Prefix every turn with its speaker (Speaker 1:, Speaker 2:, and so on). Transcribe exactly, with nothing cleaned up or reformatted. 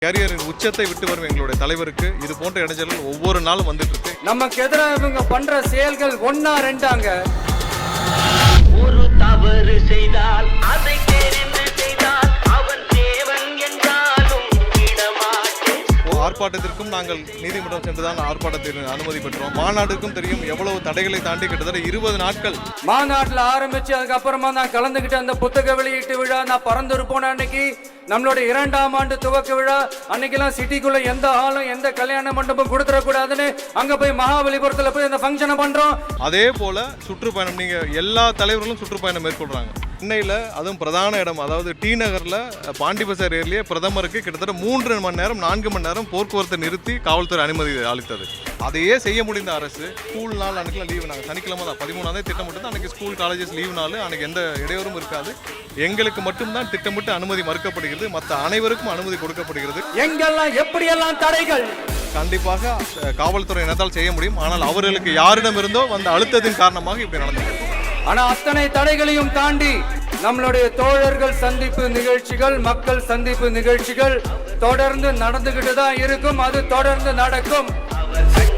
Speaker 1: கேரியரின் உச்சத்தை விட்டு வரும் எங்களுடைய தலைவருக்கு இது போன்ற இடைஞ்சல்கள் ஒவ்வொரு நாளும் வந்துட்டு இருக்கு.
Speaker 2: நமக்கு எதிராக இவங்க பண்ற செயல்கள் ஒன்னா ரெண்டாங்க.
Speaker 3: ஒரு தவறு செய்தால் அதை தெரிந்து செய்தால் அவன் தேவன் என்றாலும் விடமாட்டேன்.
Speaker 1: ஆர்ப்பாட்டத்திற்கும் நாங்கள் நீதிமன்றம் சென்றுதான் ஆர்ப்பாட்டத்தில் அனுமதி பெற்றோம். மாநாடுக்கும் தெரியும் எவ்வளவு தடைகளை தாண்டி கிட்டத்தட்ட இருபது நாட்கள்
Speaker 2: மாநாட்டில் ஆரம்பிச்சு அதுக்கப்புறமா நான் கலந்துகிட்ட அந்த புத்தக வெளியீட்டு விழா, நான் பறந்துரு போன அன்னைக்கு நம்மளுடைய இரண்டாம் ஆண்டு துவக்க விழா அன்னைக்கெல்லாம் சிட்டிக்குள்ள எந்த ஆளும் எந்த கல்யாண மண்டபம் கொடுத்துடக்கூடாதுன்னு அங்க போய் மகாபலிபுரத்துல போய் அந்த ஃபங்க்ஷனை பண்றோம்.
Speaker 1: அதே போல சுற்றுப்பயணம் நீங்க எல்லா தலைவர்களும் சுற்றுப்பயணம் மேற்கொள்றாங்க. சென்னையில் அதுவும் பிரதான இடம் அதாவது டி நகரில் பாண்டி பசார் ஏரியா பிரதமருக்கு கிட்டத்தட்ட மூன்று மணி நேரம் நான்கு மணி நேரம் போக்குவரத்தை நிறுத்தி காவல்துறை அனுமதி அளித்தது. அதையே செய்ய முடிந்த அரசு ஸ்கூல் நாள் அன்னைக்கு லீவு, நாங்கள் சனிக்கிழமை தான் பதிமூணாந்தே திட்டமிட்டு அன்னைக்கு ஸ்கூல் காலேஜஸ் லீவு நாள், அன்னைக்கு எந்த இடையூறும் இருக்காது. எங்களுக்கு மட்டும்தான் திட்டமிட்டு அனுமதி மறுக்கப்படுகிறது, மற்ற அனைவருக்கும் அனுமதி கொடுக்கப்படுகிறது.
Speaker 2: எங்கெல்லாம் எப்படியெல்லாம் தடைகள்
Speaker 1: கண்டிப்பாக காவல்துறையினரால் செய்ய முடியும். ஆனால் அவர்களுக்கு யாரிடம் இருந்தோ வந்த அழுத்தத்தின் காரணமாக இப்படி நடந்தது.
Speaker 2: ஆனா அத்தனை தடைகளையும் தாண்டி நம்மளுடைய தோழர்கள் சந்திப்பு நிகழ்ச்சிகள், மக்கள் சந்திப்பு நிகழ்ச்சிகள் தொடர்ந்து நடந்துகிட்டு தான் இருக்கும். அது தொடர்ந்து நடக்கும்.